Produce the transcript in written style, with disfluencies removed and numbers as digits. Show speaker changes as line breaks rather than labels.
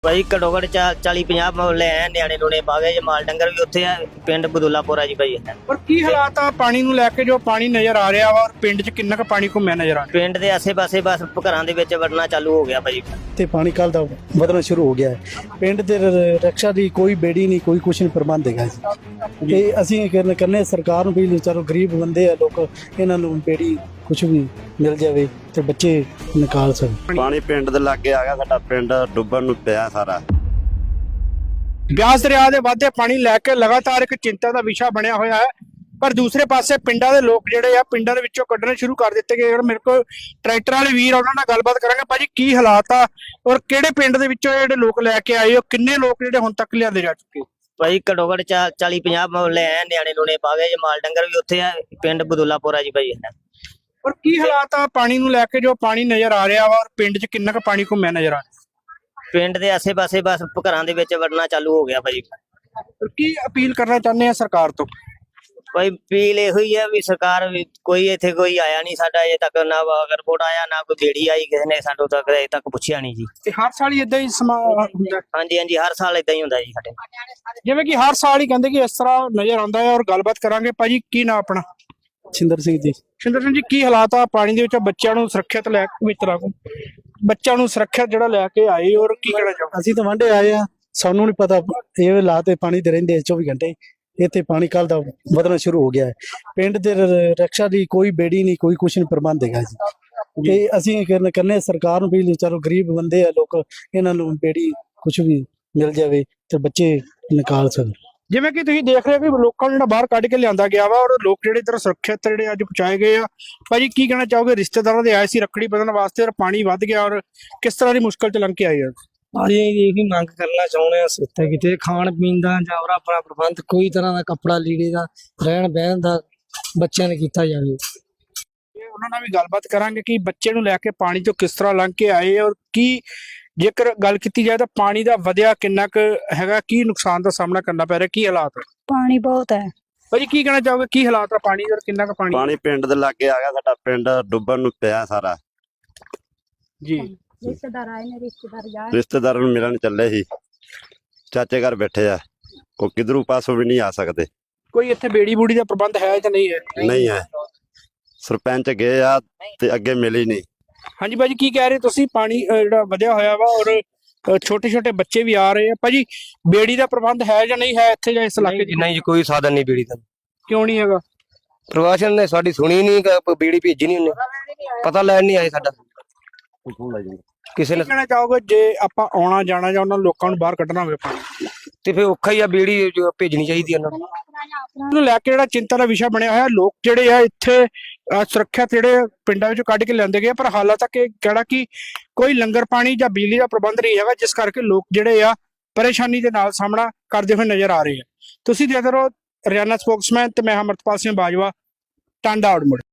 भाई घट्टो घट 40-50 ਮੁਹੱਲੇ ਐ ਨਿਆਣੇ ਨੂਣੇ ਪਾ ਗਏ ਜੇ ਮਾਲ ਡੰਗਰ ਵੀ ਉੱਥੇ ਆ ਪਿੰਡ ਬਦੂਲਾਪੁਰਾ ਜੀ ਭਾਈ।
ਪਰ ਕੀ ਹਾਲਾਤ ਆ ਪਾਣੀ ਨੂੰ ਲੈ ਕੇ, ਜੋ ਪਾਣੀ ਨਜ਼ਰ ਆ ਰਿਹਾ ਵਾ ਔਰ ਪਿੰਡ 'ਚ ਕਿੰਨਾ ਕੁ ਪਾਣੀ ਘੁੰਮਿਆ ਨਜ਼ਰ ਆ ਰਿਹਾ?
ਪਿੰਡ ਦੇ ਆਸੇ-ਪਾਸੇ ਬਸ ਘਰਾਂ ਦੇ ਵਿੱਚ ਵੜਨਾ ਚਾਲੂ ਹੋ ਗਿਆ ਭਾਈ।
ਤੇ ਪਾਣੀ ਕੱਲ ਦਾ ਵਧਣਾ ਸ਼ੁਰੂ ਹੋ ਗਿਆ ਹੈ। ਪਿੰਡ ਦੇ ਰਕਸ਼ਾ ਦੀ ਕੋਈ ਬੇੜੀ ਨਹੀਂ, ਕੋਈ ਕੁਛ ਨਹੀਂ ਪ੍ਰਬੰਧ ਹੈਗਾ ਜੀ। ਤੇ ਅਸੀਂ ਕਰਨੇ ਸਰਕਾਰ ਨੂੰ ਵੀ ਚਲੋ ਗਰੀਬ ਬੰਦੇ ਆ ਲੋਕ, ਇਹਨਾਂ ਨੂੰ ਬੇੜੀ ਕੁਛ ਵੀ ਮਿਲ ਜਾਵੇ ਤੇ ਬੱਚੇ ਨਿਕਾਲ ਸਕਣ।
ਪਾਣੀ ਪਿੰਡ ਦੇ ਲਾਗੇ ਆ ਗਿਆ, ਸਾਡਾ ਪਿੰਡ ਡੁੱਬਣ ਨੂੰ ਪਿਆ ਸਾਰਾ।
ਬਿਆਸ ਦਰਿਆ ਦੇ ਵਾਧੇ ਪਾਣੀ ਲੈ ਕੇ ਲਗਾਤਾਰ ਇੱਕ ਚਿੰਤਾ ਦਾ ਵਿਸ਼ਾ ਬਣਿਆ ਹੋਇਆ ਹੈ। ਪਰ ਦੂਸਰੇ ਪਾਸੇ ਪਿੰਡਾਂ ਦੇ ਲੋਕ ਜਿਹੜੇ ਆ ਪਿੰਡਾਂ ਦੇ ਵਿੱਚੋਂ ਕੱਢਣੇ ਸ਼ੁਰੂ ਕਰ ਦਿੱਤੇ ਗਏ। ਮੇਰੇ ਕੋਲ ਟਰੈਕਟਰ ਵਾਲੇ ਵੀਰ, ਉਹਨਾਂ ਨਾਲ ਗੱਲਬਾਤ ਕਰਾਂਗੇ। ਭਾਜੀ ਕੀ ਹਾਲਾਤ ਆ ਔਰ ਕਿਹੜੇ ਪਿੰਡ ਦੇ ਵਿੱਚੋਂ ਜਿਹੜੇ ਲੋਕ ਲੈ ਕੇ ਆਏ ਹੋ, ਕਿੰਨੇ ਲੋਕ ਜਿਹੜੇ ਹੁਣ ਤੱਕ ਲਿਆਂਦੇ ਜਾ ਚੁੱਕੇ?
ਭਾਈ ਘੱਟੋ ਘਟ 40-50 ਮੁਹੱਲੇ ਐ ਨਿਆਣੇ ਨੂਣੇ ਪਾ ਗਏ ਜੇ ਮਾਲ ਡੰਗਰ ਵੀ ਉੱਥੇ ਆ ਪਿੰਡ ਬਦੂਲਾਪੁਰਾ ਜੀ ਭਾਈ।
ਔਰ ਕੀ ਹਾਲਾਤ ਆ ਪਾਣੀ ਨੂੰ ਲੈ ਕੇ, ਜੋ ਪਾਣੀ ਨਜ਼ਰ ਆ ਰਿਹਾ ਵਾ ਔਰ ਪਿੰਡ 'ਚ ਕਿੰਨਾ ਕੁ ਪਾਣੀ ਘੁੰਮਿਆ ਨਜ਼ਰ ਆ ਰਿਹਾ?
ਪਿੰਡ ਦੇ ਆਸੇ-ਪਾਸੇ ਬਸ ਘਰਾਂ ਦੇ ਵਿੱਚ ਵੜਨਾ ਚਾਲੂ ਹੋ ਗਿਆ ਭਾਈ।
ਔਰ ਕੀ ਅਪੀਲ ਕਰਨਾ ਚਾਹੁੰਦੇ ਆ ਸਰਕਾਰ ਤੋਂ?
ਭਾਈ ਅਪੀਲ ਇਹੋ ਹੀ ਆ ਵੀ ਸਰਕਾਰ ਵੀ ਕੋਈ ਇੱਥੇ ਕੋਈ ਆਇਆ ਨਹੀਂ ਸਾਡਾ ਅਜੇ ਤੱਕ, ਨਾ ਵਾਗਰ ਰਿਪੋਰਟ ਆਇਆ ਨਾ ਕੋਈ ਬੇੜੀ ਆਈ, ਕਿਸੇ ਨੇ ਸਾਨੂੰ ਤੱਕ ਅਜੇ ਤੱਕ ਪੁੱਛਿਆ ਨਹੀਂ ਜੀ।
ਤੇ ਹਰ ਸਾਲ ਹੀ ਇਦਾਂ ਹੀ ਸਮਾਂ ਹੁੰਦਾ?
ਹਾਂਜੀ ਹਾਂਜੀ, ਹਰ ਸਾਲ ਇਦਾਂ ਹੀ ਹੁੰਦਾ ਜੀ ਸਾਡੇ।
ਜਿਵੇਂ ਕਿ ਹਰ ਸਾਲ ਹੀ ਕਹਿੰਦੇ ਕਿ ਇਸ ਤਰ੍ਹਾਂ ਨਜ਼ਰ ਆਉਂਦਾ ਹੈ। ਔਰ ਗੱਲਬਾਤ ਕਰਾਂਗੇ। ਭਾਜੀ ਕੀ ਨਾਂ ਆਪਣਾ?
ਛਿੰਦਰ ਸਿੰਘ ਜੀ।
ਸ਼ਿੰਦਰ ਸਿੰਘ ਜੀ, ਕੀ ਹਾਲਾਤ ਆ ਪਾਣੀ ਦੇ ਵਿੱਚ? ਬੱਚਿਆਂ ਨੂੰ ਸੁਰੱਖਿਅਤ ਲੈ ਕੇ ਮਿੱਤਰਾਂ ਨੂੰ ਬੱਚਿਆਂ ਨੂੰ ਸੁਰੱਖਿਅਤ ਜਿਹੜਾ ਲੈ ਕੇ ਆਏ, ਔਰ ਕੀ ਕਹਿਣਾ ਚਾਹੋ?
ਅਸੀਂ ਤਾਂ ਵਾਂਢੇ ਆਏ ਆ, ਸਾਨੂੰ ਨਹੀਂ ਪਤਾ ਇਹ ਹਾਲਾਤ ਤੇ ਪਾਣੀ ਦੇ ਰਹਿੰਦੇ 24 ਘੰਟੇ। ਇੱਥੇ ਪਾਣੀ ਕੱਲ ਦਾ ਵਧਣਾ ਸ਼ੁਰੂ ਹੋ ਗਿਆ ਹੈ। ਪਿੰਡ ਦੇ ਰਕਸ਼ਾ ਦੀ ਕੋਈ ਬੇੜੀ ਨਹੀਂ, ਕੋਈ ਕੁਛ ਨਹੀਂ ਪ੍ਰਬੰਧ ਹੈਗਾ ਜੀ। ਤੇ ਅਸੀਂ ਕਰਨੇ ਸਰਕਾਰ ਨੂੰ ਵੀ ਚਲੋ ਗਰੀਬ ਬੰਦੇ ਆ ਲੋਕ, ਇਹਨਾਂ ਨੂੰ ਬੇੜੀ ਕੁਛ ਵੀ ਮਿਲ ਜਾਵੇ ਤੇ ਬੱਚੇ ਨਿਕਾਲ ਸਕਣ।
ਜਿਵੇਂ ਕਿ ਤੁਸੀਂ ਦੇਖ ਰਹੇ ਹੋ ਕਿ ਲੋਕਾਂ ਨੂੰ ਜਿਹੜਾ ਬਾਹਰ ਕੱਢ ਕੇ ਲਿਆਂਦਾ ਗਿਆ ਵਾ ਔਰ ਲੋਕ ਜਿਹੜੇ ਇਧਰ ਸੁਰੱਖਿਅਤ ਜਿਹੜੇ ਅੱਜ ਪਹੁੰਚਾਏ ਗਏ ਆ। ਭਾਜੀ ਕੀ ਕਹਿਣਾ ਚਾਹੋਗੇ? ਰਿਸ਼ਤੇਦਾਰਾਂ ਦੇ ਆਏ ਸੀ ਰੱਖੜੀ ਬੰਨ੍ਹਣ ਵਾਸਤੇ ਔਰ ਪਾਣੀ ਵੱਧ ਗਿਆ, ਔਰ ਕਿਸ ਤਰ੍ਹਾਂ ਦੀ ਮੁਸ਼ਕਲ ਚ ਲੰਘ ਕੇ ਆਏ ਆ?
ਅਸੀਂ ਇਹੀ ਮੰਗ ਕਰਨਾ ਚਾਹੁੰਦੇ ਹਾਂ, ਸੁੱਤੇ ਕਿਤੇ ਖਾਣ ਪੀਣ ਦਾ ਜਾਂ ਹੋਰ ਆਪਣਾ ਪ੍ਰਬੰਧ ਕੋਈ ਤਰ੍ਹਾਂ ਦਾ ਕੱਪੜਾ ਲੀੜੇ ਦਾ ਰਹਿਣ ਬਹਿਣ ਦਾ ਬੱਚਿਆਂ ਨੇ ਕੀਤਾ ਜਾਵੇ।
ਉਹਨਾਂ ਨਾਲ ਵੀ ਗੱਲਬਾਤ ਕਰਾਂਗੇ ਕਿ ਬੱਚੇ ਨੂੰ ਲੈ ਕੇ ਪਾਣੀ ਤੋਂ ਕਿਸ ਤਰ੍ਹਾਂ ਲੰਘ ਕੇ ਆਏ ਔਰ ਕੀ, ਜੇਕਰ ਗੱਲ ਕੀਤੀ ਜਾਏ ਤਾਂ ਪਾਣੀ ਦਾ ਵਧਿਆ ਕਿੰਨਾ ਕੁ ਹੈਗਾ, ਕੀ ਨੁਕਸਾਨ ਦਾ ਸਾਹਮਣਾ ਕਰਨਾ ਪੈ ਰਿਹਾ, ਕੀ ਹਾਲਾਤ ਹੈ?
ਪਾਣੀ ਬਹੁਤ ਹੈ
ਭਾਜੀ ਕੀ ਕਹਿਣਾ ਚਾਹੋਗੇ? ਕੀ ਹਾਲਾਤ ਆ ਪਾਣੀ ਔਰ ਕਿੰਨਾ ਕੁ ਪਾਣੀ?
ਪਾਣੀ ਪਿੰਡ ਦੇ ਲਾਗੇ ਆ ਗਿਆ, ਸਾਡਾ ਪਿੰਡ ਡੁੱਬਣ ਨੂੰ ਪਿਆ ਸਾਰਾ
ਜੀ।
ਰਿਸ਼ਤੇਦਾਰ ਆਏ ਨੇ,
ਰਿਸ਼ਤੇਦਾਰਾਂ ਨੂੰ ਮਿਲਣ ਚੱਲੇ ਸੀ, ਚਾਚੇ ਘਰ ਬੈਠੇ ਆ, ਉਹ ਕਿਧਰੂ ਪਾਸੋਂ ਵੀ ਨਹੀਂ ਆ ਸਕਦੇ।
ਕੋਈ ਇੱਥੇ ਬੇੜੀ ਬੂੜੀ ਦਾ ਪ੍ਰਬੰਧ ਹੈ ਜਾਂ ਨਹੀਂ ਹੈ?
ਨਹੀਂ ਹੈ, ਸਰਪੰਚ ਗਏ ਆ ਤੇ ਅੱਗੇ ਮਿਲੀ ਨਹੀਂ।
ਹਾਂਜੀ ਭਾਜੀ ਕੀ ਕਹਿ ਰਹੇ ਤੁਸੀਂ? ਪਾਣੀ ਜਿਹੜਾ ਵਧਿਆ ਹੋਇਆ ਵਾ ਔਰ ਛੋਟੇ ਛੋਟੇ ਬੱਚੇ ਵੀ ਆ ਰਹੇ ਆ। ਭਾਜੀ ਬੇੜੀ ਦਾ ਪ੍ਰਬੰਧ ਹੈ ਜਾਂ ਨਹੀਂ ਹੈ ਇੱਥੇ ਜਾਂ ਇਸ ਇਲਾਕੇ 'ਚ?
ਨਹੀਂ ਜੀ, ਕੋਈ ਸਾਧਨ ਨਹੀਂ ਬੀੜੀ ਦਾ।
ਕਿਉਂ ਨਹੀਂ ਹੈਗਾ?
ਪ੍ਰਵਾਸ਼ਨ ਨੇ ਸਾਡੀ ਸੁਣੀ ਨਹੀਂ, ਬੀੜੀ ਭੇਜੀ ਨਹੀਂ, ਉਹਨੇ ਪਤਾ ਲੈਣ ਨਹੀਂ ਆਏ ਸਾਡਾ ਕਿਸੇ ਨੇ।
ਕਹਿਣਾ ਚਾਹੋਗੇ ਜੇ ਆਪਾਂ ਆਉਣਾ ਜਾਣਾ ਜਾਂ ਉਹਨਾਂ ਲੋਕਾਂ ਨੂੰ ਬਾਹਰ ਕੱਢਣਾ ਹੋਵੇ ਪਾਣੀ
ਤੇ ਫਿਰ ਔਖਾ ਹੀ ਆ, ਬੀੜੀ ਜੋ ਭੇਜਣੀ ਚਾਹੀਦੀ ਉਹਨਾਂ ਨੂੰ।
ਨੂੰ ਲੈ ਕੇ ਜਿਹੜਾ ਚਿੰਤਾ ਦਾ ਵਿਸ਼ਾ ਬਣਿਆ ਹੋਇਆ। ਲੋਕ ਜਿਹੜੇ ਆ ਇੱਥੇ ਸੁਰੱਖਿਅਤ ਜਿਹੜੇ ਪਿੰਡਾਂ ਵਿੱਚੋਂ ਕੱਢ ਕੇ ਲਿਆਂਦੇ ਗਏ, ਪਰ ਹਾਲਾਂ ਤੱਕ ਇਹ ਕਿਹੜਾ ਕਿ ਕੋਈ ਲੰਗਰ ਪਾਣੀ ਜਾਂ ਬਿਜਲੀ ਦਾ ਪ੍ਰਬੰਧ ਨਹੀਂ ਹੈਗਾ, ਜਿਸ ਕਰਕੇ ਲੋਕ ਜਿਹੜੇ ਆ ਪਰੇਸ਼ਾਨੀ ਦੇ ਨਾਲ ਸਾਹਮਣਾ ਕਰਦੇ ਹੋਏ ਨਜ਼ਰ ਆ ਰਹੇ ਆ। ਤੁਸੀਂ ਦੇਖਦੇ ਰਹੋ ਹਰਿਆਣਾ ਸਪੋਕਸਮੈਨ ਤੇ ਮੈਂ ਅਮਰਤਪਾਲ ਸਿੰਘ ਬਾਜਵਾ, ਟਾਂਡਾ ਆਊਟਮੁੱਡ।